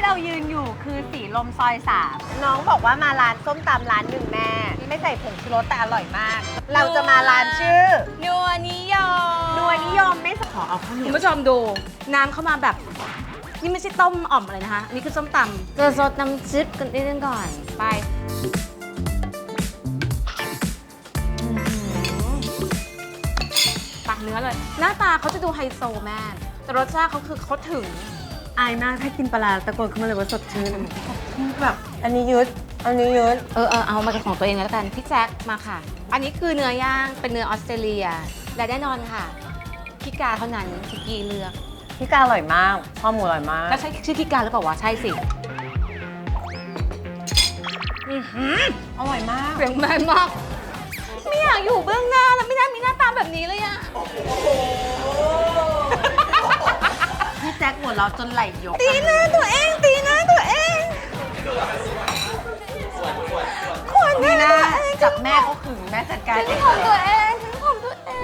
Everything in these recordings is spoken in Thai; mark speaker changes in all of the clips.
Speaker 1: เรายืนอยู่คือสีลมซอย3น้องบอกว่ามาร้านส้มตำร้านหนึ่งแม่ไม่ใส่ผงชูรสแต่อร่อยมาก เราจะมาร้านชื่อ
Speaker 2: นัวนิยม
Speaker 1: นัวนิยมไม่ขอเอาข้าวเหนี
Speaker 2: คุ
Speaker 1: ย
Speaker 2: ณ
Speaker 1: ว
Speaker 2: ผู้ชมดูน้ำเข้ามาแบบนี่ไม่ใช่ต้มอ่อมอะไรนะคะอันนี้คือส้มตำจะซดน้ำซุปกันนิดนึงก่อนไปปักเนื้อเลย หน้าตาเขาจะดูไฮโซแม่แต่รสชาติเขาคือเขาถึง
Speaker 1: อายมากถ้ากินปลาร้าตะโกนขึ้นมาเลยว่าสดชื่นแบบอันนี้ยืดอันนี้ยืด
Speaker 2: เอามาเป็นของตัวเองแล้วกันพี่แจ็คมาค่ะ อันนี้คือเนื้อย่างเป็นเนื้อออสเตรเลียและแน่นอนค่ะพี่กาเท่านั้นที่กีเลือก
Speaker 1: พี่กาอร่อยมากข้าวหมูอร่อยมาก
Speaker 2: แล้วใช่ชื่อพี่กาหรือเปล่าวะใช่สิ
Speaker 1: อร่อยมาก
Speaker 2: เสียงแม่มากไม่อยากอยู่เบื้องหน้าแล้วไม่น่ามีหน้าตาแบบนี้เลยอะ
Speaker 1: พี่แจ็คหัวเราะจนไหลยก
Speaker 2: ตีหน้าตัวเองตีหน้าตัวเองขวัญ
Speaker 1: นี่
Speaker 2: ห
Speaker 1: นะ
Speaker 2: น้าตัวเอง
Speaker 1: จับแม่เขาขึงแม่จัดการ
Speaker 2: ฉั
Speaker 1: เอน ง
Speaker 2: ของตัวเองฉันของตัวเอง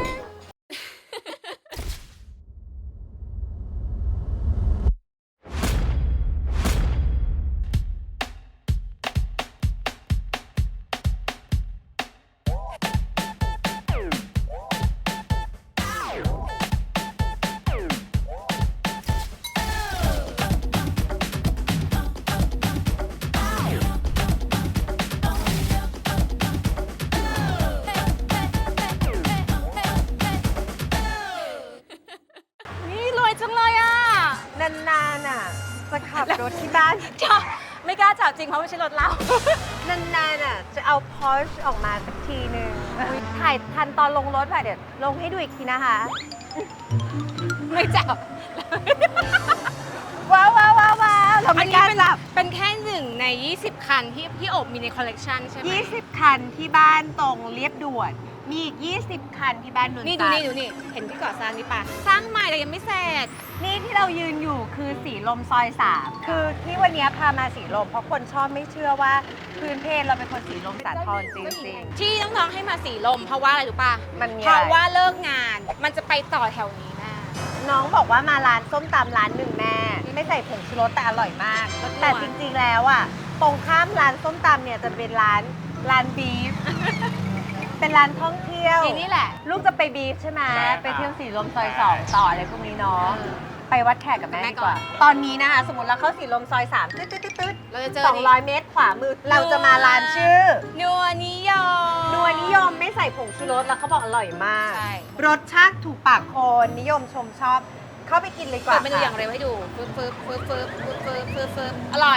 Speaker 2: นี่รวยจังเลยอะ
Speaker 1: นานๆน่ะจะขับรถที่บ้าน
Speaker 2: จ้ะไม่กล้าจับจริงเพราะไม่ใช่รถเรา
Speaker 1: นานๆน่ะจะเอา Porsche ออกมาสักทีหนึ่งถ่ายทันตอนลงรถป่ะเดี๋ยวลงให้ดูอีกทีนะคะ
Speaker 2: ไม่จับ
Speaker 1: ว้าวว้าวว้าวว้าวเรา
Speaker 2: อั
Speaker 1: ไม่
Speaker 2: น
Speaker 1: ก
Speaker 2: นี้
Speaker 1: ล้า
Speaker 2: เป็น
Speaker 1: จับ
Speaker 2: เป็นแค่หนึ่งใน 20 คันที่พี่โอบมีในคอลเลกชันใช่ไหม
Speaker 1: 20 คันที่บ้านตรงเรียบด่วน มีอีก 20 คันที่บ้านนนท์
Speaker 2: นี่ดู
Speaker 1: จันท
Speaker 2: นี่
Speaker 1: ร์
Speaker 2: ดูนี่ เห็นที่ก่อสร้างนี่ปะสร้างใหม่แต่ยังไม่เสร็จ
Speaker 1: นี่ที่เรายืนอยู่คือสีลมซอย3คือที่วันนี้พามาสีลมเพราะคนชอบไม่เชื่อว่าพื้นเพเราเป็นคนสีลมสาทรจริง
Speaker 2: ที่น้องๆให้มาสีลมเพราะว่าอะไรรู้ปะ
Speaker 1: มันมี
Speaker 2: เพราะ
Speaker 1: อะไร
Speaker 2: ว่าเลิกงานมันจะไปต่อแถวนี้แม่
Speaker 1: ๆน้องบอกว่ามาร้านส้มตำร้านหนึ่งแม่ไม่ใส่ผงชูรสแต่อร่อยมาก
Speaker 2: รสนัว
Speaker 1: แต่จริงๆแล้วอ่ะตรงข้ามร้านส้มตำเนี่ยจะเป็นร้านบีฟ เป็นร้านท่องเที่ยว
Speaker 2: ทีนี่แหละ
Speaker 1: ลูกจะไปบีฟใช่ไหม
Speaker 3: ใช่ครับ
Speaker 1: ไปเที่ยวสีลมซอย2ต่ออะไรพวกนี้เนาะ ไปวัดแขกกับแม่
Speaker 2: แม่
Speaker 1: ดี
Speaker 2: ก่
Speaker 1: ก
Speaker 2: อน
Speaker 1: ว่า ตอนนี้นะคะ สมมติเราเข้าสีลมซอย3ตึ๊ดตึ๊ดตึ๊ดตึ๊ด
Speaker 2: เราจะเจอนี่
Speaker 1: 200 เมตรขวามือ เราจะมาร้านชื่อ
Speaker 2: นัวนิยม
Speaker 1: นัวนิยมไม่ใส่ผงชูรสแล้วเขาบอกอร่อยมาก
Speaker 2: ใช่
Speaker 1: รสชาติถูกปากคนนิยมชมชอบ เข้าไปกินเลยดีก
Speaker 2: เปิ
Speaker 1: ว่า
Speaker 2: ดเมนูอย่าง
Speaker 1: ค่ะ
Speaker 2: เร็วให้ดูฟึบฟึบฟึบฟึบฟึบฟึบฟึบฟึบอร่อย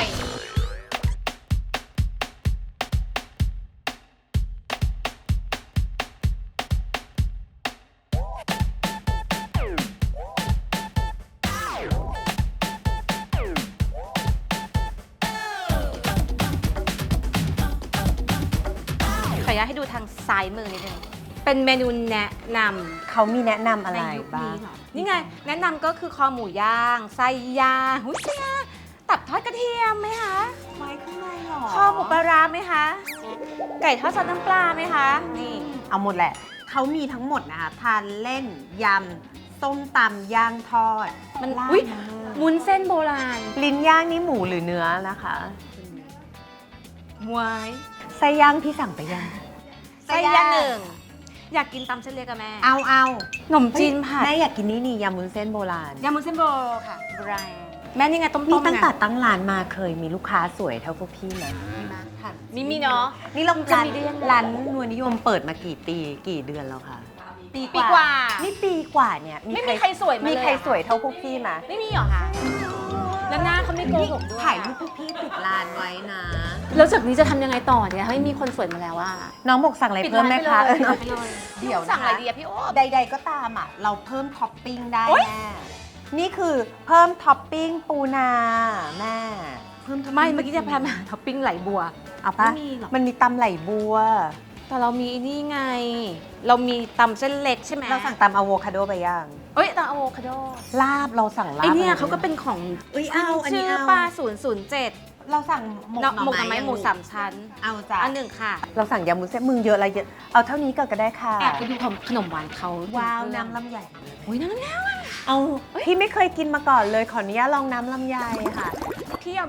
Speaker 2: ขออนุญาตให้ดูทางซ้ายมือนิดนึง เป็นเมนูแนะนำ
Speaker 1: เขามีแนะนำอะไร
Speaker 2: ในยุค
Speaker 1: บ้า
Speaker 2: นี้
Speaker 1: ง
Speaker 2: เหรอนี่ไง แนะนำก็คือคอหมูย่าง ไส้ย่างหุ้ยเชียตับทอดกระเทียมไหมคะ
Speaker 1: ไว้ข้างในหรอ
Speaker 2: คอหมูปลาร้าไหมคะ ไก่ทอดซอสน้ำปลาไหมคะ นี่
Speaker 1: เอาหมดแหละ เขามีทั้งหมดนะคะทานเล่นยำส้มตำย่างทอด
Speaker 2: มัน
Speaker 1: ลาด
Speaker 2: อุ้ย
Speaker 1: มา
Speaker 2: มุนเส้นโบราณ
Speaker 1: ลิ้นย่างนี่หมูหรือเนื้อนะคะ
Speaker 2: มวย
Speaker 1: ไส้ย่างพี่สั่งไปยัง
Speaker 2: ไส้ย่างหนึ่ง อยากกินตำเส้นเล็กกับแม่
Speaker 1: เอา
Speaker 2: ขนมจีนผัด
Speaker 1: แม่อยากกินนี่ยำมุ้นเส้นโบราณ
Speaker 2: ยำมุนเส้นโบค่ะโบราณแม่นี่ไงต้มๆ
Speaker 1: นี่ตั้งแต่
Speaker 2: ไ
Speaker 1: ตั้งร้านมาเคยมีลูกค้าสวยเท่าพวกพี่ไหม
Speaker 2: มีเนาะ
Speaker 1: นี่เรา
Speaker 2: จะ
Speaker 1: ร้าน
Speaker 2: มีได้ยังไง
Speaker 1: ร้านนวลนิยมเปิดมากี่ปีกี่เดือนแล้วคะ
Speaker 2: ปีกว่า
Speaker 1: นี่ปีกว่าเนี่ย
Speaker 2: ไม่มีใครสวยมาเลย
Speaker 1: มีใครสวยเท่าพวกพี่ไหม
Speaker 2: ไม่มีเหรอคะ แล้วหน้าเขาไม่โกหกด้วย
Speaker 1: ถ่ายรูปพวกพี่ติดร้านไว้นะ
Speaker 2: แล้วจากนี้จะทำยังไงต่อเนี่ยให้มีคนสวยมาแล้วว่า
Speaker 1: น้องบอกสั่งอะไรเพิ่มไหมคะ
Speaker 2: ปิดร้านไปเลย
Speaker 1: เดี๋ยวนะคะ
Speaker 2: สั่งอะไรดีอะพี่โอ๊บ
Speaker 1: ใดๆก็ตามอ่ะ เราเพิ่มท็อปปิ้งได้
Speaker 2: โอ๊ย
Speaker 1: แม่นี่คือเพิ่มท็อปปิ้งปูนาแม่เพิ่มท็อปปิ้ง
Speaker 2: ไม่เมื่อกี้จะพามาท็อปปิ้งไหลบัว
Speaker 1: เอาปะ
Speaker 2: ไม่มีหรอก
Speaker 1: มันมีตำไหลบัว
Speaker 2: แต่เรามีนี่ไง เรามีตำเส้นเล็กใช่ไหม
Speaker 1: เราสั่งตำอะโวคาโดไปย่าง
Speaker 2: เอ้ยตำอะโวคาโด
Speaker 1: ลาบเราสั่งลาบ
Speaker 2: ไอเนี่ย
Speaker 1: ะร
Speaker 2: เขาก็เป็นของ
Speaker 1: เอ้ยเอาอันนี้
Speaker 2: ชื่อ
Speaker 1: เอา
Speaker 2: ปลา007
Speaker 1: เราสั่งหมก
Speaker 2: หมกหน่อไม้
Speaker 1: ยัง
Speaker 2: หมู3 ชั้น
Speaker 1: เอาจ้ะ
Speaker 2: อันหนึ่งค่ะ
Speaker 1: เราสั่งยำมุ้นเส้นมึงเยอะอะไรเยอะเอาเท่านี้ก่อนก็ได้ค่ะ
Speaker 2: แอบไปดูขนมหวานเขา
Speaker 1: ว้าวน้ำลำใหญ่
Speaker 2: อุ้ยน้ำแล้ว
Speaker 1: เอาพี่ไม่เคยกินมาก่อนเลยขออนุญาตลองน้ำลำไยค่ะ
Speaker 2: พี่เอา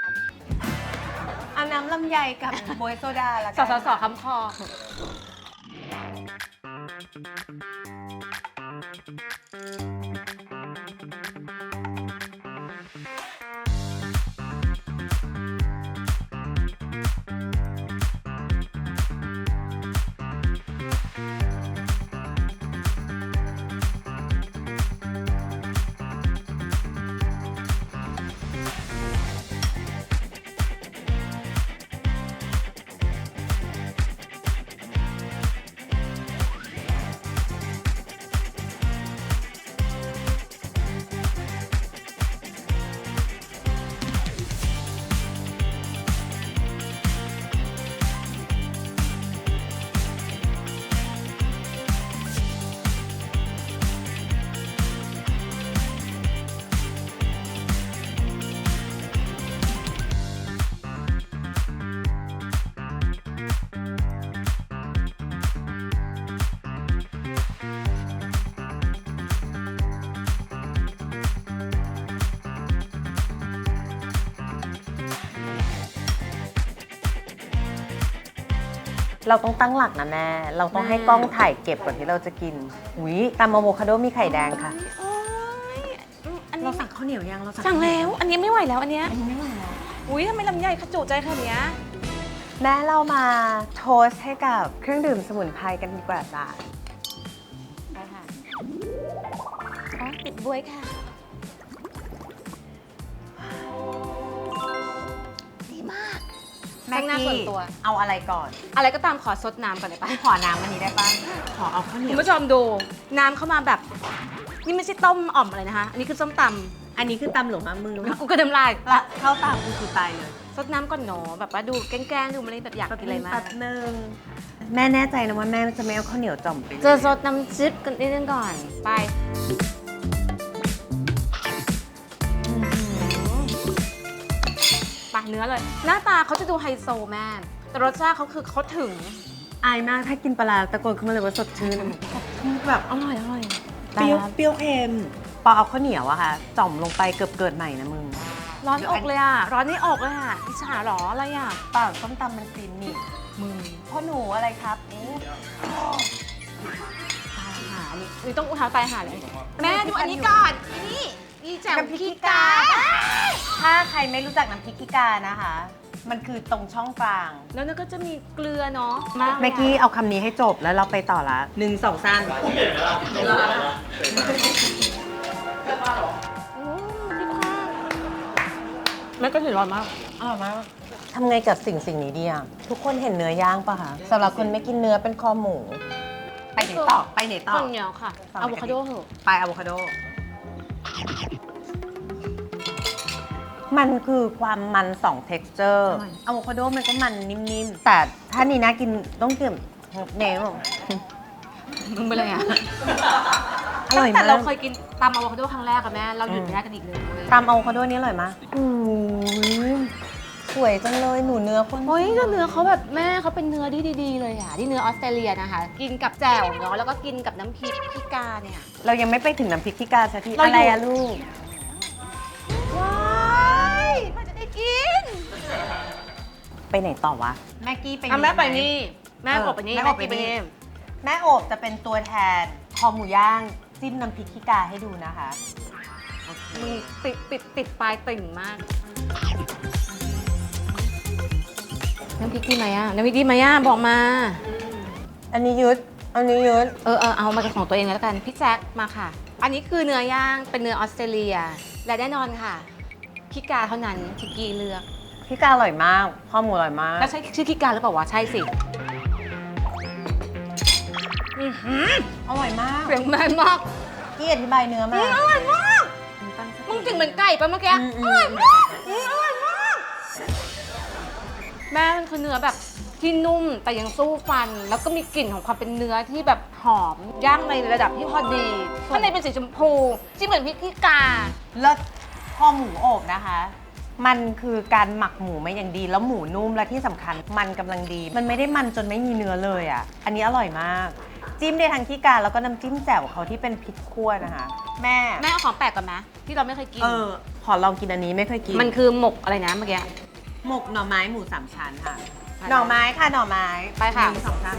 Speaker 1: เอาน้ำลำไยกับโบวยโซดาละ
Speaker 2: ส
Speaker 1: กัน
Speaker 2: สคำคอ
Speaker 1: เราต้องตั้งหลักนะแม่ เราต้องให้กล้องถ่ายเก็บก่อนที่เราจะกินหุยตำอะโวคาโดมีไข่แดงค่ะ
Speaker 2: โอ้ยอัน
Speaker 1: เรา
Speaker 2: นี้
Speaker 1: สั่งข้าวเหนียวยังเรา
Speaker 2: สั่งแล้ว อันนี้ไม่ไหวแล้วอันเนี้ย
Speaker 1: อันนี้ไม่ไหวแล้ว
Speaker 2: อุ้ยทำไมลำไยขจุใจขนาดเนี้ย
Speaker 1: แม่เรามาโทสต์ให้กับเครื่องดื่มสมุนไพรกันดีกว่าจ้ะ
Speaker 2: ไปค่ะอ๋อติดบวยค่ะ ดีมาก
Speaker 1: แม่
Speaker 2: แป้งหน้าส่วนตัว
Speaker 1: เอาอะไรก่อน
Speaker 2: อะไรก็ตามขอซดน้ำก่อนเลยปะ
Speaker 1: ขอน้ำอันนี้ได้ป่ะขอเอาข้าวเหนี
Speaker 2: คุ
Speaker 1: ย
Speaker 2: ณ
Speaker 1: ว
Speaker 2: ผู้ชมดูน้ำเข้ามาแบบ นี่ไม่ใช่ต้มอ่อมอะไรนะคะ อันนี้คือส้มต
Speaker 1: อันนี้คือตำหลวงมามือ
Speaker 2: ำกูก็น้ำลาย
Speaker 1: ละเข้าตามกูคือตายเลย
Speaker 2: ซดน้ำก่อนหนอแบบว่าดูแกล้งๆดูมันแบบอยากกินอะไรมาก
Speaker 1: แป๊บนึงแม่แน่ใจนะว่าแม่จะไม่เอาข้าวเหนียวจ่อมไปเลย
Speaker 2: เจอซดน้ำจิ๊บกันนิดนึงก่อน ไปปากเนื้อเลย หน้าตาเขาจะดูไฮโซแม่แต่รสชาติเขาคือเขาถึง
Speaker 1: อายมากถ้ากินปลาร้าตะโกนขึ้นมาเลยว่าสดชื่นแบบ
Speaker 2: อร่อยอร่อย
Speaker 1: เปรี้ยวเปรี้ยวเค็มปอเอาข้าวเหนียวอะค่ะจ่อมลงไปเกือบเกิดใหม่นะมึง
Speaker 2: ร้อนอกเลยอ่ะ ร้อนในอกเลยอ่ะอิจฉาเหรออะไรอ่ะ
Speaker 1: เปล่าส้มตำมันฟินนี่
Speaker 2: มึง
Speaker 1: พ่อหนูอะไรครับอู้
Speaker 2: ตายหาอันนี้อุ๊ยต้องอุทานตายหาเลย แม่ดูอันนี้ก่อนนี่นี่แจ่ว
Speaker 1: น้ำพริก
Speaker 2: ขี้
Speaker 1: ขี้
Speaker 2: กาก
Speaker 1: าถ้าใครไม่รู้จักน้ำพริกขี้กานะคะ มันคือตรงช่องกลาง
Speaker 2: แล้วนั่นก็จะมีเกลือเนาะมากเลยอะ
Speaker 1: เมื่อกี้เอาคำนี้ให้จบแล้วเราไปต่อละ1 2 3
Speaker 2: อืมพี่ข้าวแม่ก็ถือร้อนมาก
Speaker 1: อร่อยมากทำไงกับสิ่งนี้ดีอ่ะ ทุกคนเห็นเนื้อย่างปะคะสำหรับคนไม่กินเนื้อเป็นคอหมู ไปไหนต่อ ไปไหนต่อ
Speaker 2: ข้าวเหนียวค่ะ
Speaker 1: ฝั่ง
Speaker 2: อะโวคาโดเหอะ
Speaker 1: ไปอะโวคาโด มันคือความมัน 2 texture
Speaker 2: อร่อย
Speaker 1: อะโวคาโดมันก็มันนิ่มๆ แต่ถ้านี่นะกินต้องกินเนว
Speaker 2: มึงไปเลยอ่ะ
Speaker 1: อร่อย
Speaker 2: แต่
Speaker 1: มาก
Speaker 2: เราเคยกินตำอะโวคาโดครั้งแรกกับแม่ เราหยุดไม่ได้กันอีกเลยเว้ย
Speaker 1: ตามอะโวคาโดนี้อร่อยมากสวยจังเลยหนูเนื้อคน
Speaker 2: เฮ้ยแล้วเนื้อเขาแบบแม่เขาเป็นเนื้อที่ดีๆเลยอ่ะที่เนื้อออสเตรเลียนะคะ กินกับแจ่วเนาะแล้วก็กินกับน้ำพริกพิกาเนี่ย
Speaker 1: เรายังไม่ไปถึงน้ำพริกขี้กาสักที
Speaker 2: เราอยู่
Speaker 1: อะไรอะลูก
Speaker 2: ว้ายมันจะได้กิน
Speaker 1: ไปไหนต่อวะ แม่กี้ไป
Speaker 2: อ่ะแม่ไป
Speaker 1: ไห
Speaker 2: นี่ แม่กบไปนี่
Speaker 1: แม่
Speaker 2: แม่
Speaker 1: อบ
Speaker 2: กินไปนี่
Speaker 1: แม่โอบจะเป็นตัวแทนคอหมูย่างจิ้มน้ำพริกขี้กาให้ดูนะคะโอเค
Speaker 2: มึงติดปลายติ่งมาก น้ำพริกดีไหมอ่ะน้ำพริกดีไหมอ่ะบอกมา
Speaker 1: อันนี้ยึด อันนี้ยึด
Speaker 2: เอามาของตัวเองแล้วกันพี่แจ็คมาค่ะ อันนี้คือเนื้อย่างเป็นเนื้อออสเตรเลีย และแน่นอนค่ะพิกาเท่านั้นที่กี้เลือก
Speaker 1: ขี้กาอร่อยมากข้อหมูอร่อยมาก
Speaker 2: แล้วใช่ชื่อพิกาหรือเปล่าวะใช่สิ
Speaker 1: อร่อยมาก
Speaker 2: เสียงแม่มาก
Speaker 1: กี้อธิบายเนื้อมา
Speaker 2: อร่อยมาก
Speaker 1: ตั้งสติ
Speaker 2: มึงกลินเหมือนไก่ปะเมื่อกี้
Speaker 1: อืม
Speaker 2: อร่อยมากอร่อยมากแม่มันคือเนื้อแบบที่นุ่มแต่ยังสู้ฟัน แล้วก็มีกลิ่นของความเป็นเนื้อที่แบบหอมย่างในระดับที่พอดีข้างในเป็นสีชมพูจิ้มเหมือนพริกขี้กา
Speaker 1: เลิศข้อหมูโอบนะคะ มันคือการหมักหมูมาอย่างดี แล้วหมูนุ่มและที่สำคัญมันกำลังดี มันไม่ได้มันจนไม่มีเนื้อเลยอ่ะ อันนี้อร่อยมาก จิ้มได้ทั้งขี้กาแล้วก็น้ำจิ้มแจ่วเขาที่เป็นพริกขั่วนะคะแม่
Speaker 2: แม่เอาของแปลกก่อนไหมที่เราไม่เคยกิน
Speaker 1: ขอลองกินอันนี้ไม่เคยกิน
Speaker 2: มันคือหมกอะไรนะเมื่อกี้
Speaker 1: หมกหน่อไม้หมูสามชั้นค่ะ
Speaker 2: ไป
Speaker 1: หน่อไม้ค่ะหน่อไม้
Speaker 2: ไปค่ะ
Speaker 1: หนึ่งสองสาม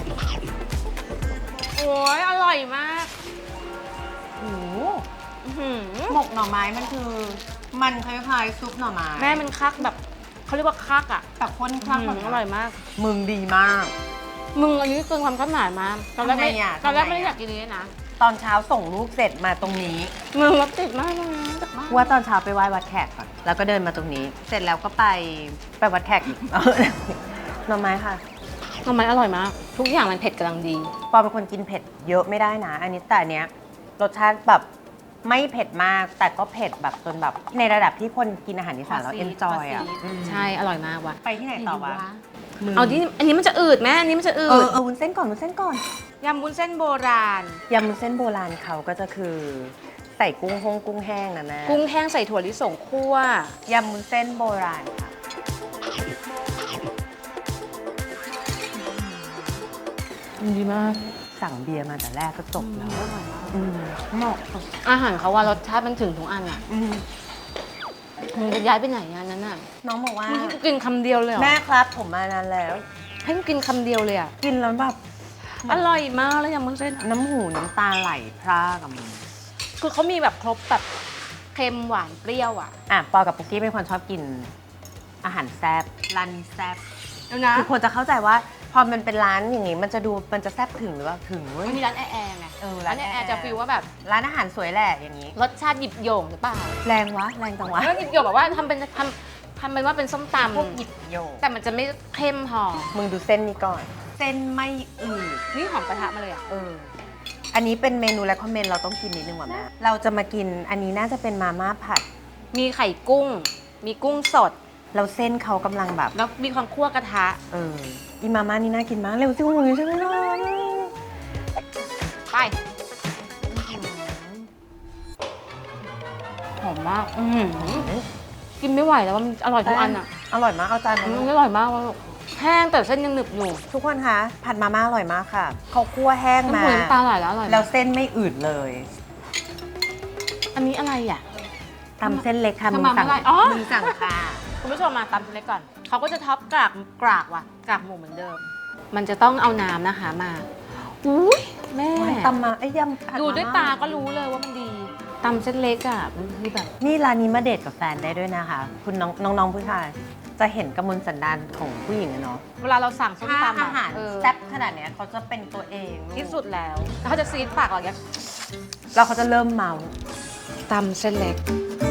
Speaker 2: โอ้ยอร่อยมาก
Speaker 1: โอ้โห
Speaker 2: อื้อหือ
Speaker 1: หมกหน่อไม้มันคือ มันคล้ายๆซุปหน่อไม้
Speaker 2: แม่มันคักแบบเขาเรียกว่าคักอ่ะ
Speaker 1: แต่ข้นคลัก
Speaker 2: อร่อยมาก
Speaker 1: มึงดีมาก
Speaker 2: มึงอันนี้เกินความคาดหมายมากตอนแรกไม่
Speaker 1: ทำไมอ่ะ
Speaker 2: ตอนแรก
Speaker 1: ทำไม
Speaker 2: ไม่ได้
Speaker 1: อ่ะ
Speaker 2: อยากกินนี้นะ
Speaker 1: ตอนเช้าส่งลูกเสร็จมาตรงนี้
Speaker 2: มึงรถติดมากเลยนะจากบ้าน
Speaker 1: ว่าตอนเช้าไปไหว้วัดแขกก่อนแล้วก็เดินมาตรงนี้ เสร็จแล้วก็ไปวัดแขกอีก หน่อไม้ค่ะ
Speaker 2: ทำไมอร่อยมาก ทุกอย่างมันเผ็ดกำลังดี
Speaker 1: ปอเป็นคนกินเผ็ดเยอะไม่ได้นะ อันนี้แต่อันเนี้ยรสชาติแบบไม่เผ็ดมาก แต่ก็เผ็ดแบบจนแบบในระดับที่คนกินอาหารอีสานแล้วเอนจอยอ่ะ
Speaker 2: ใช่ อร่อยมากว่ะ
Speaker 1: ไปที่ไหนต่อวะ
Speaker 2: เอาที่อันนี้มันจะอืดไหมอันนี้มันจะอื
Speaker 1: เอ
Speaker 2: ด
Speaker 1: อวุ้นเส้นก่อนวุ้นเส้นก่อน
Speaker 2: ยำวุ้นเส้นโบราณ
Speaker 1: ยำวุ้นเส้นโบราณเขาก็จะคือใส่กุ้งแห้งนะแม่
Speaker 2: กุ้งแห้งใส่ถั่วลิสงคั่วย
Speaker 1: ำวุ้นเส้นโบราณค่ะดีมากสั่งเบียร์มาแต่แรกก็จบแล้วเหมาะกับ
Speaker 2: อาหารเขาว่ารสชาติมันถึงทุกอันอ่ะ
Speaker 1: อืม
Speaker 2: มึงจะย้ายไปไหนอ่ะนั้นน่ะ
Speaker 1: น้องบอกว่า
Speaker 2: มึงให้กูกินคำเดียวเลยเหรอ
Speaker 1: แม่ครับผมมานานแล้ว
Speaker 2: ให้กูกินคำเดียวเลยอ่ะ
Speaker 1: กินแล้วแบบ
Speaker 2: อร่อยมากเลยยำวุ้นเส้นอะ
Speaker 1: น้ำหูน้ำตาไหลพร่ากับมึง
Speaker 2: คือเขามีแบบครบแบบเค็มหวานเปรี้ยวอ่ะ
Speaker 1: ปอกับปุ๊กกี้เป็นคนชอบกินอาหารแซ่บร้านนี้แซ่บ
Speaker 2: เดี๋ยวนะ
Speaker 1: คือคนจะเข้าใจว่าพอมันเป็นร้านอย่างงี้มันจะแซ่บถึงหรือเปล่าถึงเว้ย
Speaker 2: มันมีร้านแอร์ไง
Speaker 1: ร้า
Speaker 2: ร้าน น
Speaker 1: แอร์
Speaker 2: แอร์จะฟีลว่าแบบ
Speaker 1: ร้านอาหารสวยแหละอย่างนี้
Speaker 2: รสชาติหยิบโยงหรือเปล่า
Speaker 1: แรงวะแรงจังวะ
Speaker 2: แล้วหยิบโยงแบบว่าทำเป็นว่าเป็นส้มต
Speaker 1: พวกหยิบโยก
Speaker 2: ำแต่มันจะไม่เข้มหอม
Speaker 1: มึงดูเส้นนี้ก่อน เส้นไม่อืด
Speaker 2: นี่หอมกระทะมาเลยอ่ะ
Speaker 1: อันนี้เป็นเมนูและคอมเมนต์เราต้องกินนิดนึงว่ะแม่เราจะมากินอันนี้น่าจะเป็นมาม่าผัด
Speaker 2: มีไข่กุ้ง มีกุ้งสด
Speaker 1: เราเส้นเขากำลังแบบ
Speaker 2: แล้วมีความคั่วกระทะ
Speaker 1: อีมาม่านี่น่ากินมากเร็วสิมึงใช่ไหมล่ะ
Speaker 2: ไปหอมมากกินไม่ไหวแล้วว่ามันอร่อยทุกอันอ่ะ
Speaker 1: อร่อยมากเอาจานมา
Speaker 2: มันอร่อยมากเลยแห้งแต่เส้นยังหนึบอยู่
Speaker 1: ทุกคนคะผัดมาม่าอร่อยมากค่ะเขาคั่วแห้ง
Speaker 2: น้ำ
Speaker 1: มา
Speaker 2: หูน้ำตาไหลแล้วอร่อยมาก
Speaker 1: แล้วเส้นไม่อืดเลย
Speaker 2: อันนี้อะไรอ่ะ
Speaker 1: ตำเส้นเล็กค่ะ
Speaker 2: ทำ
Speaker 1: มึง
Speaker 2: มา
Speaker 1: สั่ง
Speaker 2: เมื่อไหร่อ๋อ
Speaker 1: มึงสั่งค่ะ
Speaker 2: คุณผู้ชมมาตำเส้นเล็กก่อน เขาก็จะท็อปกากว่ะกากหมูเหมือนเดิม มันจะต้องเอาน้ำนะคะมาอุ้ยแม่
Speaker 1: ตำมาไอ้ยำผั
Speaker 2: ดูด้วย
Speaker 1: มม่
Speaker 2: ตาก็รู้เลยว่ามันดีตำเส้นเล็กอ่ะมันคือแบบ
Speaker 1: นี่ร้านนี้มาเดทกับแฟนได้ด้วยนะคะ คุณน้องผู้ชายจะเห็นกำมลสันดานของผู้หญิงอะเนาะ
Speaker 2: เวลาเราสั่งส้ม
Speaker 1: ถ้า
Speaker 2: ตำ
Speaker 1: อาหาร
Speaker 2: เ
Speaker 1: แซ่บขนาดเนี้ยเขาจะเป็นตัวเองลูก
Speaker 2: ที่สุดแล้วเขาจะซีดปากเราอย่างเงี้ย
Speaker 1: แล้วเขาจะเริ่มเมา
Speaker 2: ตำเส้นเล็ก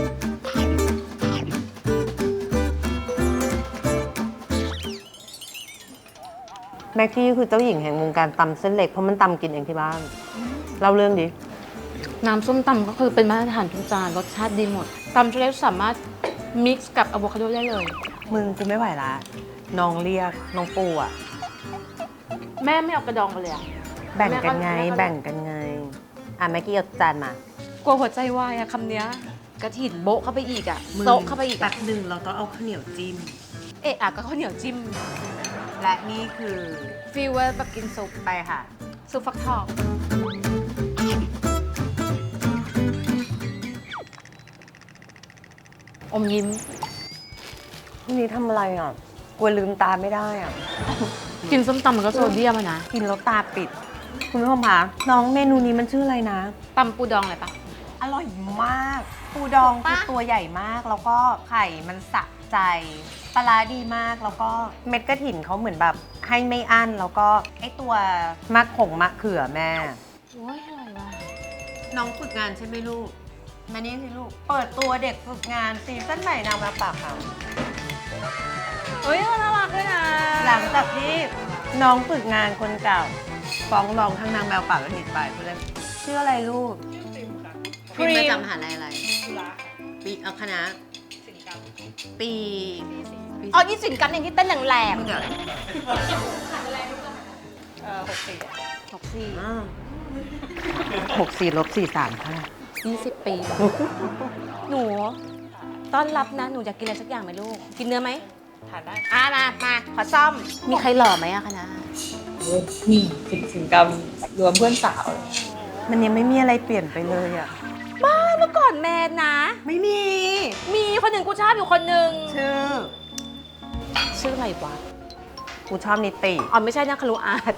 Speaker 1: แม็กกี้คือเจ้าหญิงแห่งวงการตำเส้นเล็กเพราะมันตำกินเองที่บ้านเล่าเรื่องดิ
Speaker 2: น้ำส้มตำก็คือเป็นมาตรฐานทุกจานรสชาติดีหมดตำเส้นเล็กสามารถมิกซ์กับอะโวคาโดได้เลย
Speaker 1: มึงกูไม่ไหวละน้องเรียกน้องปูอะ
Speaker 2: แม่ไม่เอากระดองไปเลยอะ
Speaker 1: แบ่งกันไง
Speaker 2: แม่ก็
Speaker 1: แบ่งกันไงแม็กกี้เอาจานมาก
Speaker 2: ลัวหัวใจวายอะคำเนี้ยกระถิ่นโบะเข้าไปอีกอะโซะเข้าไปอีก
Speaker 1: แป๊
Speaker 2: อะ
Speaker 1: บหนึ่งเราต้องเอาข้าวเหนียวจิ้ม
Speaker 2: เอะอะก็ข้าวเหนียวจิ้ม
Speaker 1: และนี่คือ
Speaker 2: ฟีลว่าแบบกินซุป
Speaker 1: ไปค่ะ
Speaker 2: ซุปฟักทองอมยิ้ม
Speaker 1: นี่ทำอะไรอ่ะกลัวลืมตาไม่ได้อ่ะ
Speaker 2: กินส้มตำมันก็โซเดียมอะนะ
Speaker 1: กินแล้วตาปิด คุณผู้ชมคะน้องเมนูนี้มันชื่ออะไรนะ
Speaker 2: ตำปูดองอะไรปะ
Speaker 1: อร่อยมาก ปูดองคือ
Speaker 2: ปะ
Speaker 1: ตัวใหญ่มาก แล้วก็ไข่มันสะใจปลาร้าดีมาก แล้วก็เม็ดกระถิ่นเขาเหมือนแบบให้ไม่อั้น แล้วก็ไอตัวมะเขือแม่
Speaker 2: โอ้ยอร่อยว่ะ
Speaker 1: น้องฝึกงานใช่ไหมลูก มานี่สิลูก เปิดตัวเด็กฝึกงานซีซั่นใหม่นางมาปากเขา
Speaker 2: เฮ้ยน่ารักด้วยนะ
Speaker 1: หลังจากที่น้องฝึกงานคนเก่า ฟ้องร้องทั้งนางแมวป่าและหนีไปเพื่อนชื่ออะไรลูกครีมมาจากมหาลัยอะไรปีเอาคณะปี
Speaker 2: อ๋อยี่สินกันเองที่เต้นแรง
Speaker 1: มึงเดี๋ยว
Speaker 2: ๆ64
Speaker 1: 64-43ค่ะ
Speaker 2: 20 ปี หนูต้อนรับนะ หนูอยากกินอะไรสักอย่างไหมลูก กินเนื้อไหมทานได้มาขอซ่อม มีใครหล่อไหมอะคะนะ
Speaker 3: นี่กิจกรรมรวมเพื่อนสาว
Speaker 1: มันยังไม่มีอะไรเปลี่ยนไปเลยอ่ะ
Speaker 2: มื่อก่อนแมนนะ
Speaker 1: ไม่มี
Speaker 2: มีคนหนึ่งกูชอบอยู่คนหนึ่ง
Speaker 1: ชื่อ
Speaker 2: อะไรวะ
Speaker 1: กูชอบนิติ
Speaker 2: อ๋อไม่ใช่นะคารุอาร์ต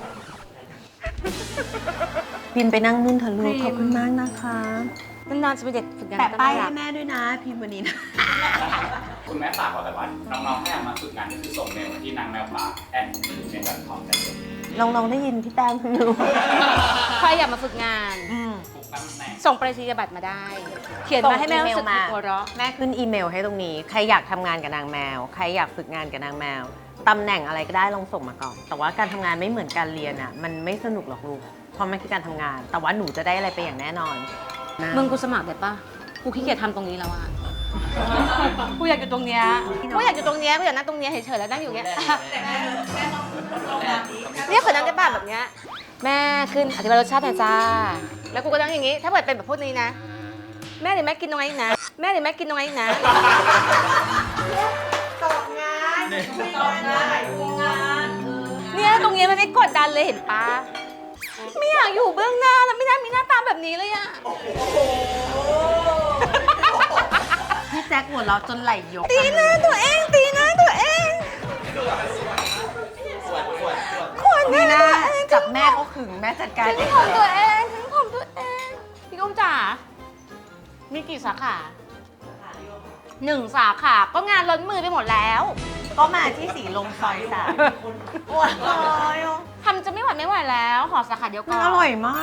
Speaker 1: พิมพ์ไปนั่งนุ่นเถอะลู
Speaker 2: พิ
Speaker 1: ก
Speaker 2: มพ์
Speaker 1: ขอบคุณมากนะคะ
Speaker 2: นานๆจะเป็นเด็กฝึกงาน
Speaker 1: แปะป้าย
Speaker 2: น่ารั
Speaker 1: ให้
Speaker 2: ก
Speaker 1: แม่ด้วยนะ พิมพ์วันนี้นะ
Speaker 3: คุณแม่ฝากบอกแต่ว่าน้องๆให้มาฝึกงานก็คือส่งเมลมาที่นางแมวป่า@gmail.com กันเลย
Speaker 1: ลองได้ยินพี่แต้มคุณดู
Speaker 2: ใครอยากมาฝึกงาน
Speaker 3: ทุกตำแหน่ง
Speaker 2: ส่งไปรษณียบัตรมาได้ เขียนมาให้แม่รู้สึกมีหัวเราะ
Speaker 1: แม่ขึ้นอีเมลให้ตรงนี้ ใครอยากทำงานกับนางแมว ใครอยากฝึกงานกับนางแมว ตำแหน่งอะไรก็ได้ลองส่งมาก่อน แต่ว่าการทำงานไม่เหมือนการเรียนอ่ะ มันไม่สนุกหรอกลูก เพราะมันคือการทำงาน แต่ว่าหนูจะได้อะไรไปอย่างแน่นอนนะ
Speaker 2: มึงกูสมัครได้ปะกูขี้เกียจทำตรงนี้แล้วอะกูอยากอยู่ตรงเนี้ยกูอยากอยู่ตรงเนี้ยกูอยากนั่งตรงเนี้ยเฉยๆแล้วนั่งอยู่เนี้ยเนี่ยขอนั่งได้ป่ะแบบเนี้ยแม่ขึ้นอธิบายรสชาติหน่อยจ้า แล้วกูก็นั่งอย่างงี้ ถ้าเกิดเป็นแบบพวกนี้นะ แม่เดี๋ยวแม่กินตรงนี้นะ แม่เดี๋ยวแม่กินตรงนี้นะ เนี่ยตรงเนี้ยมันไม่กดดันเลยเห็นปะไม่อยากอยู่เบื้องหน้าแล้วไม่น่ามีหน้าตาแบบนี้เลยอะ
Speaker 1: พี่แจ็คหัวเราะจนไหลยก
Speaker 2: ตีหน้าตัวเองตีหน้าตัวเองขวดห
Speaker 1: นี่
Speaker 2: น้า
Speaker 1: นะ
Speaker 2: ตัวเอง
Speaker 1: จับแม่เขาขึงแม่จัดการ
Speaker 2: ถึ
Speaker 1: เอง ง
Speaker 2: ผมตัวเองถึงผมตัวเองพี่กุ้งจ๋ามีกี่สาขา1 สาขาก็งานล้นมือไปหมดแล้ว
Speaker 1: ก็มาที่สีลมซอยสามโอ้ย
Speaker 2: ทำจะไม่ไหวแล้วขอสาขาเดียวก่
Speaker 1: มั
Speaker 2: อน น
Speaker 1: อร่อยมาก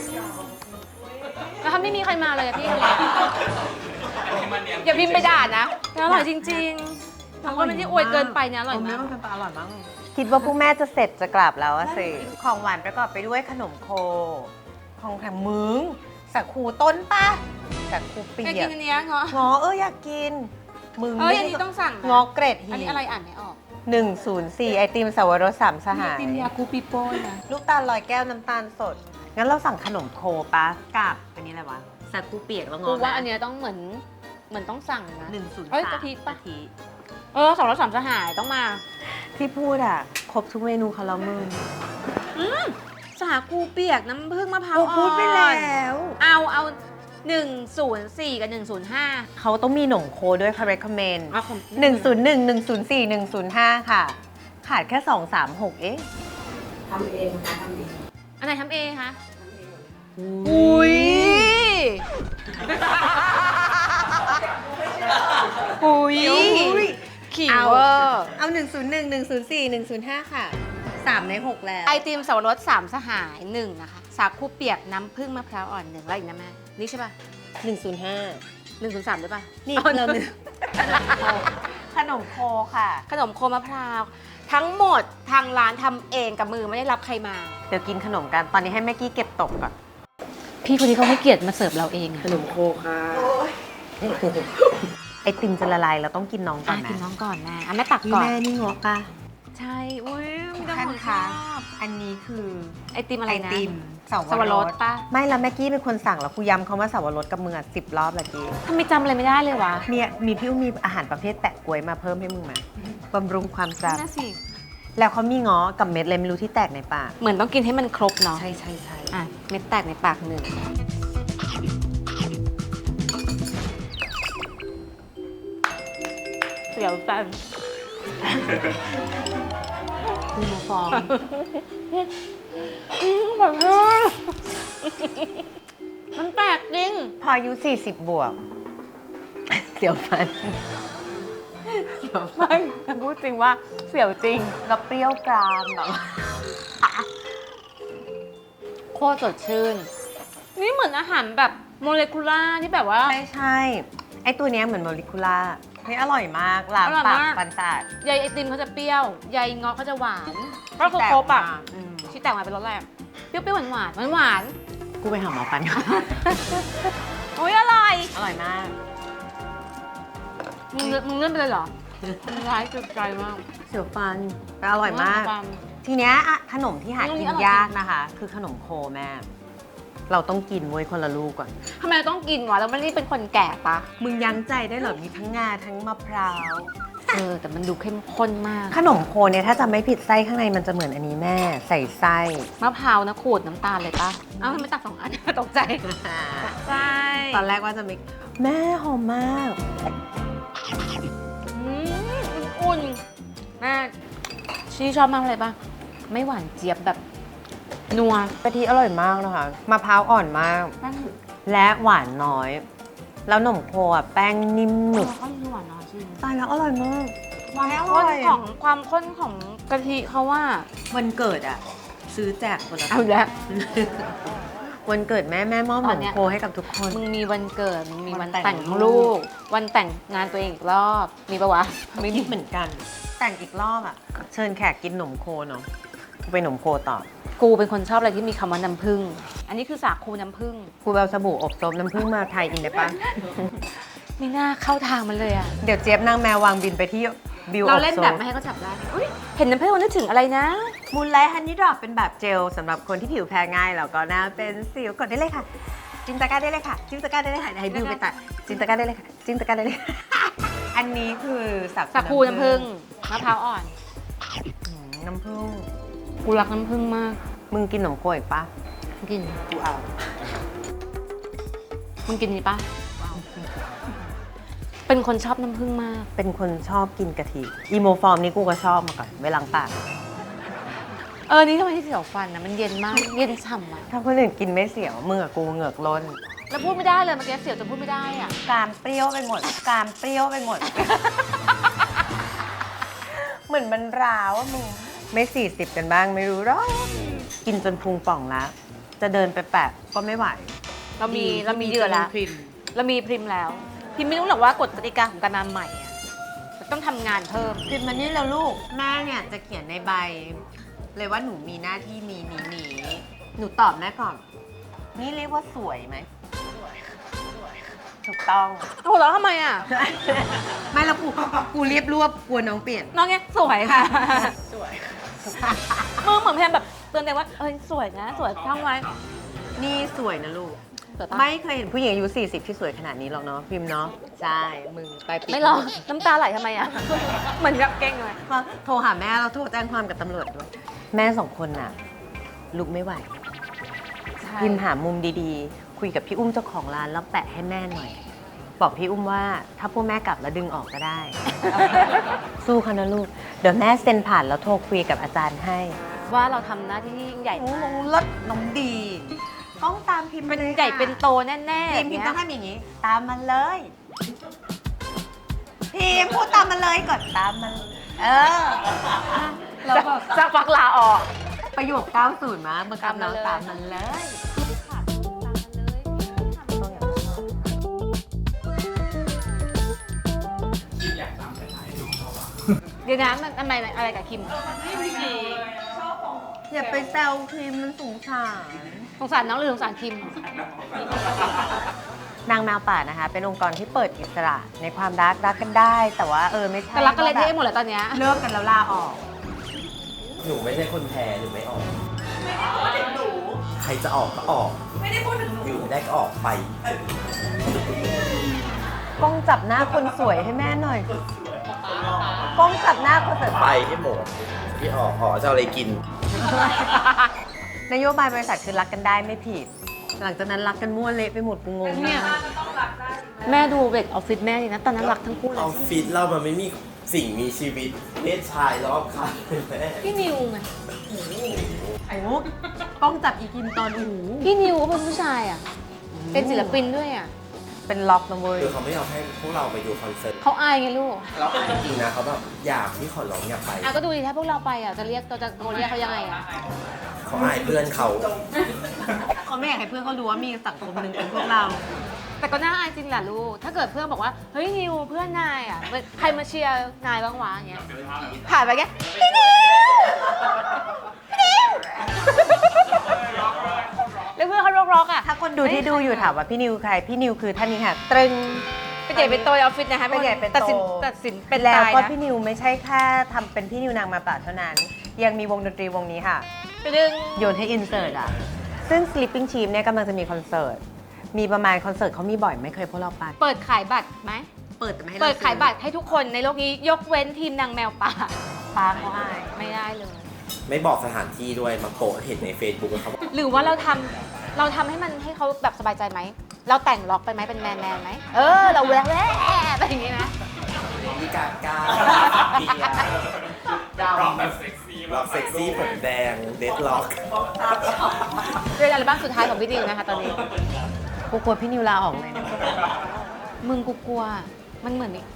Speaker 2: แล้วถ้าไม่มีใครมาเลยอะพี่อย่าพิมพ์ไปด่านะอร่อยจริงๆแล้วก็ไม่ได้อวยเกินไปนะอร่อย
Speaker 1: ไม่
Speaker 2: มาก
Speaker 1: ต้องเป็นปลาอร่อยมากคิดว่าพวกแม่จะเสร็จจะกลับแล้วอะสิ ของหวานประกอบไปด้วยขนมโค ของแถมมึงสักคูต้นปะสักคูเปี
Speaker 2: อยาก
Speaker 1: ย
Speaker 2: กิ
Speaker 1: ก
Speaker 2: นอันเนี้ยเงาะ
Speaker 1: งออยากกิน มึง
Speaker 2: เอ้ยอันนี้ต้องสั่งนะ
Speaker 1: งอเกรดหี
Speaker 2: อันนี้อะไรอ่านไม่ออก
Speaker 1: 104 ไอติมสวรสสามสหาย
Speaker 2: ติมยาคูปิโป้นะ
Speaker 1: ลูกตาลลอยแก้วน้ำตาลสด งั้นเราสั่งขนมโคปะกับอันนี้อะไรวะสักคูเปียกแล้วง
Speaker 2: กู
Speaker 1: อ
Speaker 2: ว่าอันเนี้ยต้องเหมือนต้องสั่งนะ
Speaker 1: 103
Speaker 2: เอ้ยกะทิปะ
Speaker 1: กะทิ
Speaker 2: 203สหายต้องมา
Speaker 1: ที่พูดอ่ะ ครบทุกเมนูเขาแล้วมึง
Speaker 2: สาคูเปียกน้ำผึ้งมะพร้าว
Speaker 1: กู
Speaker 2: อ่อน
Speaker 1: พูดไปแล้ว
Speaker 2: เอา104 กับ 105
Speaker 1: เขาต้องมีหนมโคด้วยค่ะ recommend
Speaker 2: อ่ะผม
Speaker 1: 101 104 105 ค่ะ ขาดแค่ 236 เอง
Speaker 2: อันไหนทำเองคะ
Speaker 1: อุ้ย
Speaker 2: อุ้ย
Speaker 1: อุ้ย
Speaker 2: ขิง
Speaker 1: เอา
Speaker 2: เวอร์
Speaker 1: เอา 101 104 105 ค่ะ 3 ใน 6 แล้ว
Speaker 2: ไอติมสวรส3สหาย1นะคะ สาคูเปียกน้ำผึ้งมะพร้าวอ่อน1แล้วอีกนะแม่ นี่ใช่ป่ะ
Speaker 1: 105
Speaker 2: 103ด้วยป่ะ
Speaker 1: นี่เราหนึ่งขนมโคค่ะ
Speaker 2: ขนมโคมะพร้าว ทั้งหมดทางร้านทำเองกับมือไม่ได้รับใครมา
Speaker 1: เดี๋ยวกินขนมกัน ตอนนี้ให้แม่กี้เก็บตกก่อน
Speaker 2: พี่คนนี้เขาให้เกียรติมาเสิร์ฟเราเองอะ
Speaker 4: ขนมโคค่ะ
Speaker 1: ไอติมจะละลายเราต้องกินน้องก่อนนะ
Speaker 2: กินน้องก่อนนะแม่ตัก
Speaker 1: นี่
Speaker 2: ก่อน
Speaker 1: แม่นี่งอกปะ
Speaker 2: ใช่ อุ้ยมีแต่
Speaker 1: ท่าน
Speaker 2: คนช
Speaker 1: คะ
Speaker 2: อบ
Speaker 1: อันนี้คือ
Speaker 2: ไอติมอะไรนะ
Speaker 1: ไอติม
Speaker 2: สวรสปะ
Speaker 1: ไม่ละแม่กี้เป็นคนสั่งแล้วกูย้ำเขาว่าสวรสกับมือ10 รอบละกี้
Speaker 2: ทำไมจำอะไรไม่ได้เลยวะ
Speaker 1: เนี่ยมีพี่อุ้มมีอาหารประเภทแปะกล้วยมาเพิ่มให้มึงไหมบำรุงความจ
Speaker 2: น่าสิ
Speaker 1: ำแล้วเขามีง้อกับเม็ดอะไรไม่รู้ที่แตกในปาก
Speaker 2: เหมือนต้องกินให้มันครบเนาะ
Speaker 1: ใช่ใช่ใช่
Speaker 2: อ่ะ เม็ดแตกในปากหนึ่งเสียวจัง
Speaker 1: มีมาฟอง
Speaker 2: มันแปลกจริง
Speaker 1: พออายุ40 บวก เสียวฟันเสียวฟัน
Speaker 2: ไม่พูดจริงว่าเสียวจริง
Speaker 1: แล้วเปรี้ยวกรามแบบ
Speaker 2: โคตรสดชื่น นี่เหมือนอาหารแบบโมเลกุล่าร์ที่แบบว่า
Speaker 1: ใช่ใช่ไอตัวเนี้ยเหมือนโมเลกุล่าเฮ้ยอร่อยมากล้าง
Speaker 2: อร่อย
Speaker 1: ปาก
Speaker 2: มาก
Speaker 1: ฟันสะอาด
Speaker 2: ใยไอติมเขาจะเปรี้ยว ใยเงาะเขาจะหวาน ก็คือ
Speaker 1: แตก
Speaker 2: ครบอ่ะ
Speaker 1: มาอืม
Speaker 2: ที่แตกมาเป็นรสแรกเปรี้ยวๆหวานๆหวาน
Speaker 1: กูไปหาหมอฟันก่อน
Speaker 2: ๆโอ้ยอร่อย
Speaker 1: อร่อยมาก
Speaker 2: มึงเลื่อนไปเลยเหรอมึงร้ายจุดใจมาก
Speaker 1: เสียวฟันแต่อร่อยมาก
Speaker 2: ความ
Speaker 1: ทีเนี้ยอะขนมที่หา
Speaker 2: อันนี้
Speaker 1: กิน
Speaker 2: อร่อย
Speaker 1: ยากนะคะ คือขนมโคแม่ เราต้องกินเว้ยคนละลูกก่อน
Speaker 2: ทำไมเราต้องกินวะเราไม่ได้เป็นคนแก่ปะ
Speaker 1: มึงยั้งใจได้เหรอ มีทั้งงาทั้งมะพร้าว
Speaker 2: แต่มันดูเข้มข้นมาก
Speaker 1: ขนมโคเนี่ยถ้าจะไม่ผิดไส้ข้างในมันจะเหมือนอันนี้แม่ใส่ไส้
Speaker 2: มะพร้าวนะขูดน้ำตาลเลยปะเอ้าทำไมตัก2 อัน ตกใจใช่
Speaker 1: ตอนแรกว่าจะไม่แม่หอมมาก
Speaker 2: อุ่นๆแม่ชี่ชอบมากเลยปะไม่หวานเจี๊ยบแบบนัว
Speaker 1: กะทิอร่อยมากนะคะมะพร้าวอ่อนมาก
Speaker 2: แป้ง
Speaker 1: และหวานน้อย แล้วหนมโคอ่ะแป้งนิ่มหนึบ
Speaker 2: ข้าวหวานน้อยจริง
Speaker 1: ตายแล้วอร่อยมาก
Speaker 2: ความข้นของกะทิเขาว่า
Speaker 1: วันเกิดอ่ะ ซื้อแจกคนละ
Speaker 2: เอาแล้ว
Speaker 1: วันเกิดแม่มอบห
Speaker 2: ต
Speaker 1: น
Speaker 2: อน
Speaker 1: ม
Speaker 2: เนี้ย
Speaker 1: โคให้กับทุกคน
Speaker 2: มึงมีวันเกิดมึงมีวัน
Speaker 1: วันแต่
Speaker 2: แต่
Speaker 1: ง
Speaker 2: ง
Speaker 1: ลู
Speaker 2: ลู
Speaker 1: ก
Speaker 2: ก วันแต่งงานตัวเองอีกรอบ มีปะวะ ไม่มี
Speaker 1: คิดเหมือนกัน แต่งอีกรอบอ่ะ เชิญแขกกินหนมโคเนาะไปหนมโคต่อ
Speaker 2: กูเป็นคนชอบอะไรที่มีคำว่าน้ำผึ้งอันนี้คือสาคูน้ำผึ้ง
Speaker 1: ครูเอาสบู่อบซบน้ำผึ้งมาไทยอินได้ปะ
Speaker 2: ไม่น่าเข้าทางมันเลยอ่ะ
Speaker 1: เดี๋ยวเจี๊ยบนางแมววางบินไปที่บิว
Speaker 2: เราเล่นแบบไม่ให้เขาจับได้อุ๊ยเห็นน้ำผึ้งมันนึกถึงอะไรนะ
Speaker 1: มูลไลท์ฮันนี่ดรอปเป็นแบบเจลสำหรับคนที่ผิวแพ้ง่ายแล้วก็หน้าเป็นสิวกดได้เลยค่ะ จินตะกร้าได้เลยค่ะ จินตะกร้าได้เลยค่ะให้บิวไปตัดจินตะกร้าได้เลยค่ะ จินตะกร้าได้เลย อันนี้คือ
Speaker 2: สาคูน้ำผึ้งมะพร้าวอ่อน
Speaker 1: น้ำผึ้ง
Speaker 2: กูรักน้ำผึ้งมาก
Speaker 1: มึงกินหนมโคอีกปะ
Speaker 2: กิน
Speaker 1: กูเอา
Speaker 2: มึงกินนี่ปะเป็นคนชอบน้ำผึ้งมาก
Speaker 1: เป็นคนชอบกินกะทิอีโมฟอร์มนี่กูก็ชอบมาก่อนไว้ล้างปาก
Speaker 2: นี่ทำไมที่เสียวฟันนะมันเย็นมาก เย็นฉ่ำอ่ะ
Speaker 1: ถ้าคนอื่นกินไม่เสียวมือกับกูเหงือกล้น
Speaker 2: แล้วพูดไม่ได้เลยเมื่อกี้เสียวจนพูดไม่ได้อ่ะ
Speaker 1: กรามเปรี้ยวไปหมดกรามเปรี้ยวไปหมด เหมือนมันร้าวอะมึงไม่40กันบ้างไม่รู้หรอกกินจนพุงป่องแล้ว จะเดินไปแปะก็ไม่ไหว
Speaker 2: เรามีเหยื่อแล้ว เรามีพริมแล้ว พิมไม่รู้หรอกว่ากฎกติกาของการมาใหม่อะมันต้องทำงานเพิ่ม
Speaker 1: พิมพ์มานี่แล้วลูกแม่เนี่ยจะเขียนในใบ เลยว่าหนูมีหน้าที่นี้หนูตอบแม่ก่อน นี่เรียกว่าสวยไหมถูกต้อง
Speaker 2: โอ้โหแล้วทำไมอ่ะ
Speaker 1: ไม่แล้วกูเรียบรวบกลัวน้องเปลี่ยน
Speaker 2: น้องเนี้ยสวยค่ะ สวยมือเหมือนพยายามแบบเตือนตัวเองว่าสวยนะ สวยท่องไว้
Speaker 1: นี่สวยนะลูก
Speaker 2: สวยปะ
Speaker 1: ไม่เคยเห็นผู้หญิงอายุ40ที่สวยขนาดนี้หรอกเนาะพิมพ์เนาะใช่มึงไปปิด
Speaker 2: ไม่หรอกน้ำตาไหลทำไมอ่ะ เหมือนกับเก่งเลย
Speaker 1: ก็โทรหาแม่เราโทรแจ้งความกับตำรวจด้วยแม่2 คนน่ะลุกไม่ไหว พิมพ์หามุมดีๆ คุยกับพี่อุ้มเจ้าของร้านแล้วแปะให้แม่หน่อย บอกพี่อุ้มว่าถ้าพวกแม่กลับแล้วดึงออกก็ได้ สู้เขานะลูก เดี๋ยวแม่เซ็นผ่านแล้วโทรคุยกับอาจารย์ให้
Speaker 2: ว่าเราทำหน้าที่ที่ยิ่งใหญ่
Speaker 1: น้
Speaker 2: มา
Speaker 1: อก งรถน้องดี ต้องตามพิมพ์
Speaker 2: เป็น
Speaker 1: ลย
Speaker 2: ใหญ่
Speaker 1: ค่ะ
Speaker 2: เป็นโตแน่ๆ
Speaker 1: พิมพ์
Speaker 2: เนี้ย
Speaker 1: ต้องทำอย่างนี้ ตามมันเลย พิมพ์พูดตามมันเลยกดตามมัน เราแบบ
Speaker 2: สักพักลาออก
Speaker 1: ประโยค 90 มาบังคับเราตามมันเลย
Speaker 3: คิดอยากตามแต่ไหนดูเขาอะ
Speaker 2: เดี๋ยวนะมันทำไมอะไรกับคิม
Speaker 1: อย่าไปแซวพิมพ์มันสงสาร
Speaker 2: สงสารน้องหรือสงสารคิม
Speaker 1: นางแมวป่านะคะ เป็นองค์กรที่เปิดอิสระในความรักกันได้ แต่ว่าไม่ใช่
Speaker 2: แต่รักกันเลย
Speaker 1: ว่า
Speaker 2: เท่หมดเลยตอนเนี้ย
Speaker 1: เลิกกันแล้วลาออก
Speaker 4: หนูไม่ใช่คนแพ้หนูไม่ออก ใครจะออกก็ออก ไม่ได้พูดถึงหนูอยู่ไม่ได้ก็ออกไป
Speaker 1: กล้องจับหน้าคนสวยให้แม่หน่อย กล้องจับหน้าคนสวย
Speaker 4: ไปให้หมดที่ออกจะเอาอะไรกิน
Speaker 1: นโยบายบริษัทคือรักกันได้ไม่ผิด หลังจากนั้นรักกันมั่วเละไปหมดกูงง
Speaker 2: เนี่ย
Speaker 1: มาก
Speaker 2: แม่ดูเด็กออฟฟิศแม่ดีนะ ตอนนั้นรักทั้งคู่เล
Speaker 4: อย อฟฟิศเรามันไม่มีสิ่งมีชีวิตเพศชายรอบข้างเลยแม่
Speaker 2: พี่นิวไง
Speaker 1: ไอ้มุกกล้องจับอีกินตอนหู
Speaker 2: พี่นิวก็เป็นผู้ชายอ่ะ เป็นศิลปินด้วยอ่ะ
Speaker 1: เป็นล็อกนะเว้ย
Speaker 4: คือเขาไม่ยอมให้พวกเราไปดูคอนเสิร์ต
Speaker 2: เขาอายไงลูก
Speaker 4: แล้วจริงๆนะเขาแบบอยากที่ขอร้องอยากไป
Speaker 2: ก็ดูดิถ้าพวกเราไปอ่ะ จะเรียกเราจะโกนเรียกเขายังไงอ่ะ
Speaker 4: เขาอายเพื่อนเขา
Speaker 1: เขาไม่อยากให้เพื่อนเขารู้ว่ามีสังคมหนึ่งเป็นพวกเรา
Speaker 2: แต่ก็น่าอายจริงแหละลูก ถ้าเกิดเพื่อนบอกว่า เฮ้ยนิวเพื่อนนายอ่ะ ใครมาเชียร์นายบ้างวะอย่างเงี้ย ผ่านไปแค่พี่นิวพี่นิวแล้วเพื่อนเขาร็อกๆอ่ะ
Speaker 1: ถ้าคนดูที่ดูอยู่ถามว่าพี่นิวใคร พี่นิวคือท่านนี้ค่ะ ตรึง
Speaker 2: เป็นใหญ่เป็นโตในออฟฟิศนะคะ
Speaker 1: เป็นใหญ่เป็นโต
Speaker 2: ตัดสินเป็น
Speaker 1: แล้ว
Speaker 2: ตาย
Speaker 1: ก็
Speaker 2: นะ
Speaker 1: พี่นิวไม่ใช่แค่ทำเป็นพี่นิวนางมาป่าเท่านั้น ยังมีวงดนตรีวงนี้ค่ะ
Speaker 2: ไปดึง
Speaker 1: โยนให้อินเสิร์ตอ่ะ ซึ่ง Sleeping Sheep เนี่ยกำลังจะมีคอนเสิร์ต มีประมาณคอนเสิร์ตเขามีบ่อยไม่เคยพวกเราไป
Speaker 2: เปิดขายบัตรไหม
Speaker 1: เปิดแต่ไม่ให้
Speaker 2: เปิดขายบัตรให้ทุกคนในโลกนี้ยกเว้นทีมนางแมวป่า
Speaker 1: ปาเขาให้
Speaker 2: ไม่ได้เลย
Speaker 4: ไม่บอกสถานที่ด้วยมาโปะเห็นใน Facebook แล้วเขาบอก
Speaker 2: หรือว่าเราทำให้มันให้เขาแบบสบายใจไหม เราแต่งล็อกไปไหมเป็นแมนไหมเราแหวะไปอย่างนี้นะ
Speaker 4: มีกากาเบียร์
Speaker 3: ร้องแบบเซ็กซี่
Speaker 4: ล็อกเซ็กซี่ผมแดงเดดล็อก
Speaker 2: เป็นอัลบั้มสุดท้ายของพี่ดิวนะคะตอนนี้
Speaker 1: กูกลัวพี่นิวลาออกเลยนะ
Speaker 2: มึงกูกลัวมันเหมือนนี่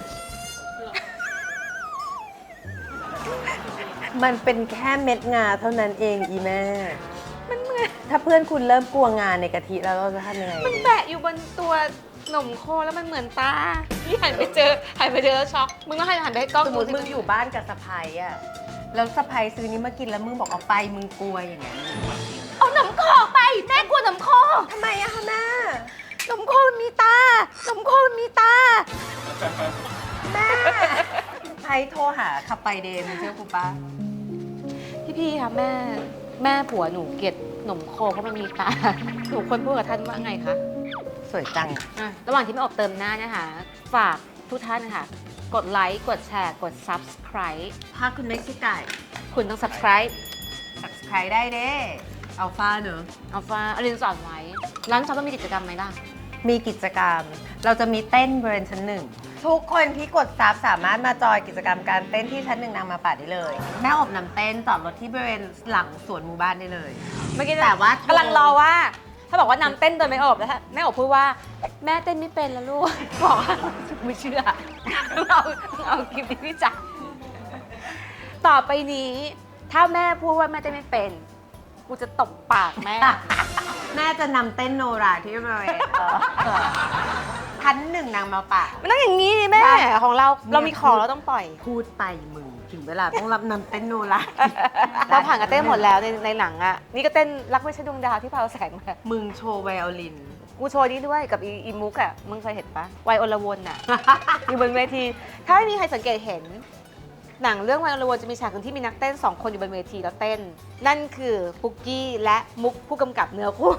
Speaker 1: มันเป็นแค่เม็ดงาเท่านั้นเองอีแม่ มันเหมือนถ้าเพื่อนคุณเริ่มกลัวงาในกะทิแล้วเราจะทำยังไง
Speaker 2: มัน
Speaker 1: ดี
Speaker 2: แปะอยู่บนตัวหนมโคแล้วมันเหมือนตาพี่หันไปเจอแล้วช็อกมึงก็หันไปให้กล้อง
Speaker 1: สมมติ
Speaker 2: ดู
Speaker 1: มึงอยู่บ้านกับสะพายอะแล้วสะพายซื้อนี้มากินแล้วมึงบอกเอาไปมึงกลัวอย่างเงี้ย
Speaker 2: เอาหนมโคไปแม่กลัวหนมโค
Speaker 1: ทำไมอะคะแม่
Speaker 2: หนมโคมีตาหนมโคมีตา
Speaker 1: แม่ไอโทรหาขับไปเดย์มึงเชื่อกูปะ
Speaker 2: พี่ค่ะแม่ผัวหนูเกลียดหนมโคเพราะมันมีตาหนูควรพูดกับท่านว่าไงคะ
Speaker 1: สวยจัง
Speaker 2: ระหว่างที่ไม่อบเติมหน้านะคะฝากทุกท่านนะคะกดไลค์กดแชร์กด subscribe
Speaker 1: ถ้าคุณไม่คิดไก่
Speaker 2: คุณต้อง subscribe
Speaker 1: subscribe ได้เด้อัลฟาเนอะ
Speaker 2: เอาฟ้าอรินสอนไว้ร้านช็อปต้องมีกิจกรรมไหมล่ะ
Speaker 1: มีกิจกรรม เราจะมีเต้นบริเวณชั้นหนึ่ง ทุกคนที่กดซับสามารถมาจอยกิจกรรมการเต้นที่ชั้นหนึ่งนางมาป่าได้เลย แม่อบน้ำเต้นจอดรถที่บริเวณหลังสวนหมู่บ้านได้เลย
Speaker 2: เมื่อกี้
Speaker 1: แต่ว่า
Speaker 2: กำลังรอว่า ถ้าบอกว่านำเต้นโดยไม่อบแล้วแม่อบพูดว่าแม่เต้นไม่เป็นแล้วลูก บอกว่าไม่เชื่อเอาคลิปนี้พี่จักต่อไปนี้ถ้าแม่พูดว่าแม่เต้นไม่เป็นกูจะตบปากแม่
Speaker 1: แม่จะนำเต้นโนราที่บริเวณชั้นหนึ่งนางมาป่า
Speaker 2: มันต้องอย่างนี้ดิแม่ของเรามีของเราต้องปล่อย
Speaker 1: พูดไปมึงถึงเวลาต้องรับนำเต้นโนรา
Speaker 2: เราผ่านกันเต้นหมดแล้วในหนังอ่ะนี่ก็เต้นรักไม่ใช่ดวงดาวที่พาวแสงมา
Speaker 1: มึงโชว์ไวโอลิน
Speaker 2: กูโชว์นี้ด้วยกับอีมุกอ่ะมึงเคยเห็นปะวัยอลวนอ่ะ อยู่บนเวที ถ้าไม่มีใครสังเกตเห็น หนังเรื่องวัยอลวนจะมีฉากหนึ่งที่มีนักเต้น2 คนอยู่บนเวทีแล้วเต้น นั่นคือปุกกี้และมุกผู้กำกับเนื้อคู่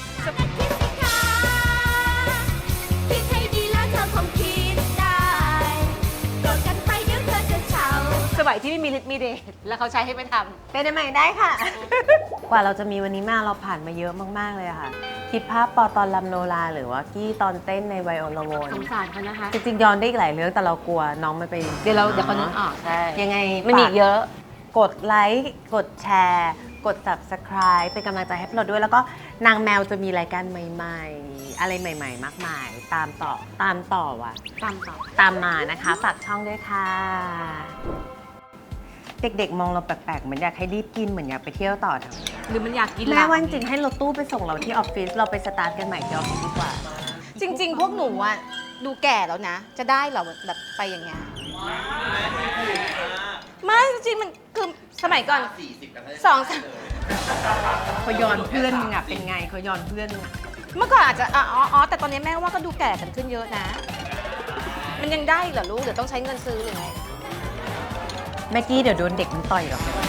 Speaker 5: คิดให้ดีแล้วเธอคงคิดได้โกรธกันไปเดี๋ยวเธอจะเฉา
Speaker 2: สมัยที่ไม่มีฤทธิ์มีเดชแล้วเขาใช้ให้ไปทำ
Speaker 1: เป็นได้ไหมได้ค่ะ กว่าเราจะมีวันนี้มาเราผ่านมาเยอะมากๆเลยอะค่ะ คิดภาพปอตอนลำโนราหรือว่ากี้ตอนเต้นในไวโอลาโวน
Speaker 2: สงสารเขานะคะ
Speaker 1: จริงๆย้อนได้อีกหลายเรื่องแต่เรากลัวน้องมันไป
Speaker 2: เดี๋ยวเขานึกออกใช่
Speaker 1: ยังไง
Speaker 2: ไม่มีอีกเยอะ
Speaker 1: กดไลค์กดแชร์กด subscribe เป็นกำลังใจให้พวกเราด้วย แล้วก็นางแมวจะมีรายการใหม่ๆ อะไรใหม่ๆ มากมาย ตามต่อว่ะ ตามมานะคะฝากช่องด้วยค่ะ เด็กๆ มองเราแปลกๆ เหมือนอยากให้รีบกินเหมือนอยากไปเที่ยวต่อเถอะ
Speaker 2: หรือมันอยากกิน
Speaker 1: แม่ว่าจริงๆให้รถตู้ไปส่งเราที่ออฟฟิศเราไปสตาร์ทกันใหม่ที่ออฟฟิศดีกว่า
Speaker 2: จริง ๆ พวกหนูอ่ะดูแก่แล้วนะ จะได้เหรอแบบไปอย่างเงี้ยไม่จริงๆมันคือสมัยก่อนสองสาม
Speaker 1: เขาย้อนเพื่อนมึงอะเป็นไงเขาย้อนเพื่อนมึงอะ
Speaker 2: เมื่อก่อนอาจจะอ๋อแต่ตอนนี้แม่ว่าก็ดูแก่กันขึ้นเยอะนะ มันยังได้เหรอลูกเดี๋ยวต้องใช้เงินซื้อหรือไง
Speaker 1: แม่กี้เดี๋ยวโดนเด็กมันต่อยหรอก